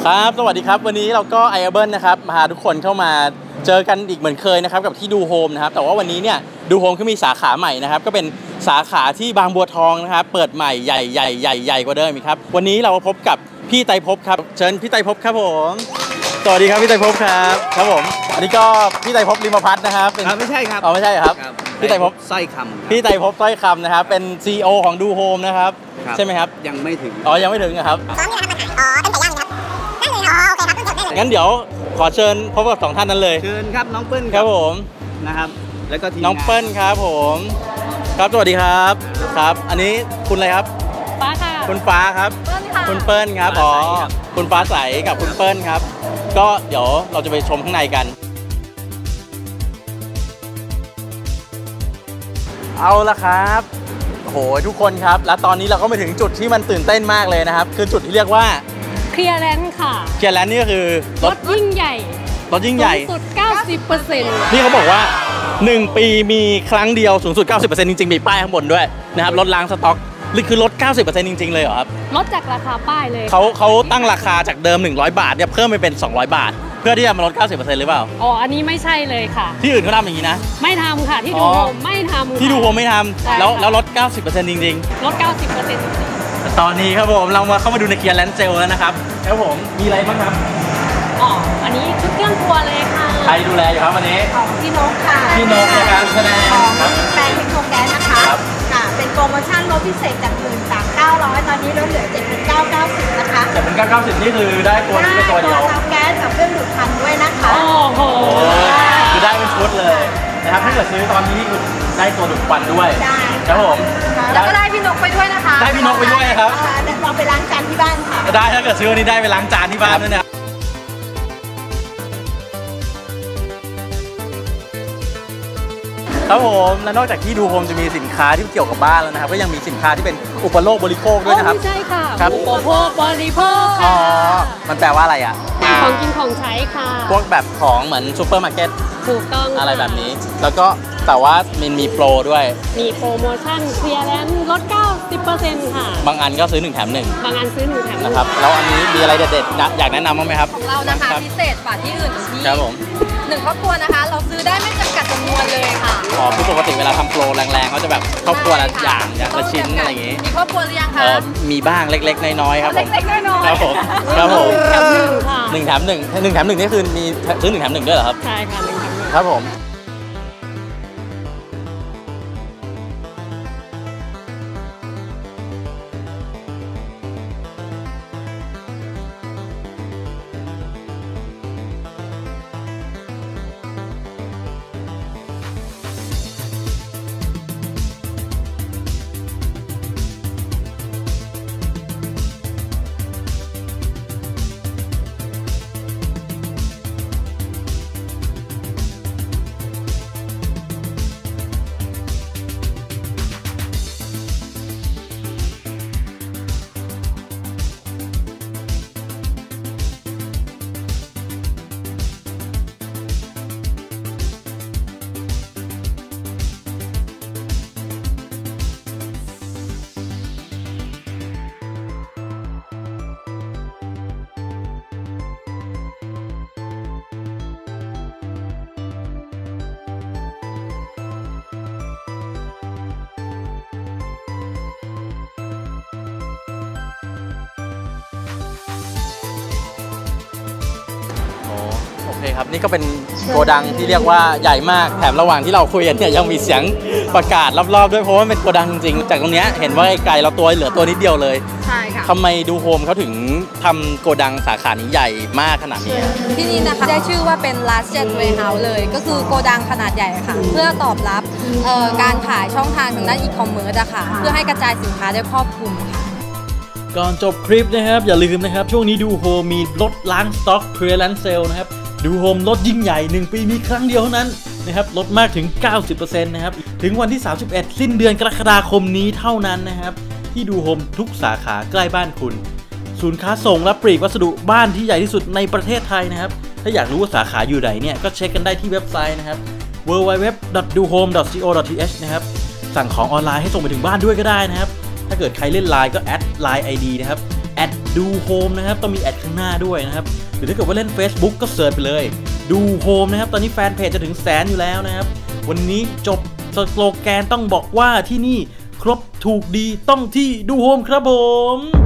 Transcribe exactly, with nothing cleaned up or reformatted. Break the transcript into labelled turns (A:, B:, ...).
A: ครับสวัสดีครับวันนี้เราก็ไอเบิลนะครับพาทุกคนเข้ามาเจอกันอีกเหมือนเคยนะครับกับที่ดูโฮมนะครับแต่ว่าวันนี้เนี่ยดูโฮมเขามีสาขาใหม่นะครับก็เป็นสาขาที่บางบัวทองนะครับเปิดใหม่ใหญ่ใหญ่ใหญ่ใหญ่กว่าเดิมอีกครับวันนี้เราพบกับพี่ไตรภพครับเชิญพี่ไตรภพครับผมสวัสดีครับพี่ไตรภพครับครับผมอันนี้ก็พี่ไตรภพลิมพัฒน์นะครับ
B: ไม่ใช่ครับ
A: อ๋อไม่ใช่ครับพี่ไตรภพ
B: สร้อยคำ
A: พี่ไตรภพสร้อยคำนะครับเป็น ซี อี โอ ของดูโฮมนะครับใช่ไหมครับ
B: ยังไม่ถึง
A: อ๋อยังไม่ถึงครับ
C: ซ้อมนี่นะครับมาขายอ๋อเป็นไก่ย่างครับนั่นเลยอ๋อโอเคครับต้องจดได้เลย
A: งั้นเดี๋ยวขอเชิญพบกับสองท่านนั้นเลย
B: เชิญครับน้องเปิ้ล
A: ครับผม
B: นะครับแล้วก็ทีม
A: น้องเปิ้ลครับผมครับสวัสดีครับครับอันนี้คุณอะไรครับ
D: ฟ้าค่ะ
A: คุณฟ้าครับคุณเปิ้ลครับอ๋อคุณฟ้าใสกับคุณเปิ้ลครับก็เดี๋ยวเราจะไปชมข้างในกันเอาละครับโหทุกคนครับแล้วตอนนี้เราก็มาถึงจุดที่มันตื่นเต้นมากเลยนะครับคือจุดที่เรียกว่า
D: เคลียร์แลนด์ค่ะ
A: เคลียร์แลนด์นี่ก็คือ
D: รถยิ่งใหญ่
A: รถยิ่งใหญ่
D: สูงสุด เก้าสิบเปอร์เซ็นต์
A: นี่เขาบอกว่าหนึ่งปีมีครั้งเดียวสูงสุด เก้าสิบเปอร์เซ็นต์ จริงๆมีป้ายข้างบนด้วยนะครับรถล้างสต็อกนี่คือลด เก้าสิบเปอร์เซ็นต์ จริงๆเลยเหรอครับ
D: ลดจากราคาป้ายเลย
A: เขาเขาตั้งราคาจากเดิมหนึ่งร้อยบาทเนี่ยเพิ่มไปเป็นสองร้อยบาทเพื่อที่จะมาลด เก้าสิบเปอร์เซ็นต์ หรือเปล่า
D: อ๋ออันนี้ไม่ใช่เลยค่ะ
A: ที่อื่นเขาทำอย่างนี้นะ
D: ไม่ทำค่ะที่ดูโฮมไม่ทำ
A: ที่ดูโฮมไม่ทำแล้วแล้วลด เก้าสิบเปอร์เซ็นต์ จริง
D: ๆลด เก้าสิบเปอร์เซ็นต์ จริง
A: ๆตอนนี้ครับผมเรามาเข้ามาดูในเคลียร์แลนด์เซลแล้วนะครับครับผมมีอะไรบ้างครับ
D: อ๋ออันนี้ชุดเครื่องครัวเลยค่ะ
A: ใครดูแลอยู่ครับวันนี้
C: ของพี่นกค่ะ
A: พี่นกในการแสดง
C: ของแปลงเทคโนแกนนะคะค่ะเป็นโปรโมชั่นลดพิเศษจากหนึ่งสามเก้าร้อยตอนนี้ลดเหลือเจ็ดพันเก้าเก้าสิบนะคะ
A: เจ็ดพันเก้าเก้าสิบนี่คือได้ตัวนี้เป็นตัวเดียว
C: ได้ตัวแก๊สกับเครื่องดูดควันด้วยนะคะ
D: โอ้โห
A: คือได้เป็นชุดเลยนะครับถ้าเกิดซื้อตอนนี้คือได้ตัวดูดควันด้วย
C: ได้
A: ครับผม
C: แล้วก็ได้พี่นกไปด้วยนะคะ
A: ได้พี่นกไปด้วยครับ
C: เราไปล้างจานที่บ้านค่ะ
A: ได้ถ้าเกิดซื้อวันนี้ได้ไปล้างจานที่บ้านด้วยนะครับผมและนอกจากที่ดูโฮมจะมีสินค้าที่เกี่ยวกับบ้านแล้วนะครับก็ยังมีสินค้าที่เป็นอุปโภคบริโภคด้วยนะครับ
D: ใช่ค่ะ
A: ครับ
D: อุปโภคบริโภค
A: อ๋อมันแปลว่าอะไรอ่ะ
D: ของกินของใช้ค่ะ
A: พวกแบบของเหมือนซูเปอร์มาร์เก็ต
D: ถูกต้อง
A: อะไรแบบนี้แล้วก็แต่ว่ามันมีโปรด้วย
D: มีโปรโมชั่นเคลียร์แลนด์ลด เก้าสิบเปอร์เซ็นต์ ค่ะ
A: บางอันก็ซื้อหนึ่งแถมหนึ่ง
D: บางอันซื้อหนึ่งแถมหนึ่ง
A: นะครับแล้วอันนี้มีอะไรเด็ดๆอยากแนะนำบ้างไหมครับ
C: ของเรานะคะพิเศษกว่าที่อื่นที่
A: ครับผม
C: หนึ่งครอบครัวนะคะเราซื้อได้ไม่จำกัดจำนวนเลยค่ะ
A: อ๋อคือปกติเวลาทำโปรแรงๆเขาจะแบบครอบครัวละอย่างอย่างละชิ้นอะไรอย่างงี้
C: มีครอบครัวหรือยังคะ
A: มีบ้างเล็กๆน้อยๆครับผม
C: เล็กๆน้อย
A: ๆครับผมครับผมหนึ่งแถมหนึ่งหนึ่งแถมหนึ่งนี่คือมีซื้อหนึ่งแถมหนึ่งด้วยเหรอครับ
D: ใช่ค่ะหนึ่งแถมหนึ่ง
A: ครับผมโอเคครับนี่ก็เป็นโกดังที่เรียกว่าใหญ่มากแถมระหว่างที่เราคุยกันเนี่ยยังมีเสียงประกาศรอบๆด้วยเพราะว่าเป็นโกดังจริงจากตรงนี้เห็นว่าไกลเราตัวเหลือตัวนิดเดียวเลย
C: ใช่ค่ะ
A: ทำไมดูโฮมเขาถึงทำโกดังสาขานี้ใหญ่มากขนาดนี้
C: ที่นี่นะคะได้ชื่อว่าเป็น largest warehouse เลยก็คือโกดังขนาดใหญ่ค่ะเพื่อตอบรับการขายช่องทางทางด้านอีคอมเมิร์ซอะค่ะเพื่อให้กระจายสินค้าได้ครอบคลุมค่ะ
A: ก่อนจบคลิปนะครับอย่าลืมนะครับช่วงนี้ดูโฮมมีลดล้างสต็อกเคลียร์แลนด์เซลนะครับดูโฮมลดยิ่งใหญ่หนึ่งปีมีครั้งเดียวเท่านั้นนะครับลดมากถึง เก้าสิบเปอร์เซ็นต์ นะครับถึงวันที่สามสิบเอ็ดสิ้นเดือนกรกฎาคมนี้เท่านั้นนะครับที่ดูโฮมทุกสาขาใกล้บ้านคุณศูนย์ค้าส่งและปลีกวัสดุบ้านที่ใหญ่ที่สุดในประเทศไทยนะครับถ้าอยากรู้ว่าสาขาอยู่ไหนเนี่ยก็เช็คกันได้ที่เว็บไซต์นะครับ ดับเบิลยู ดับเบิลยู ดับเบิลยู ดอท ดูโฮม ดอท ซี โอ ดอท ที เอช นะครับสั่งของออนไลน์ให้ส่งไปถึงบ้านด้วยก็ได้นะครับถ้าเกิดใครเล่น ไลน์ ก็แอด ไลน์ ไอ ดี นะครับ แอดดูโฮมนะครับต้องมีแอดข้างหน้าด้วยนะครับหรือถ้าเกิดว่าเล่น Facebook ก็เสิร์ชไปเลยดูโฮมนะครับตอนนี้แฟนเพจจะถึงแสนอยู่แล้วนะครับวันนี้จบสโลแกนต้องบอกว่าที่นี่ครบถูกดีต้องที่ดูโฮมครับผม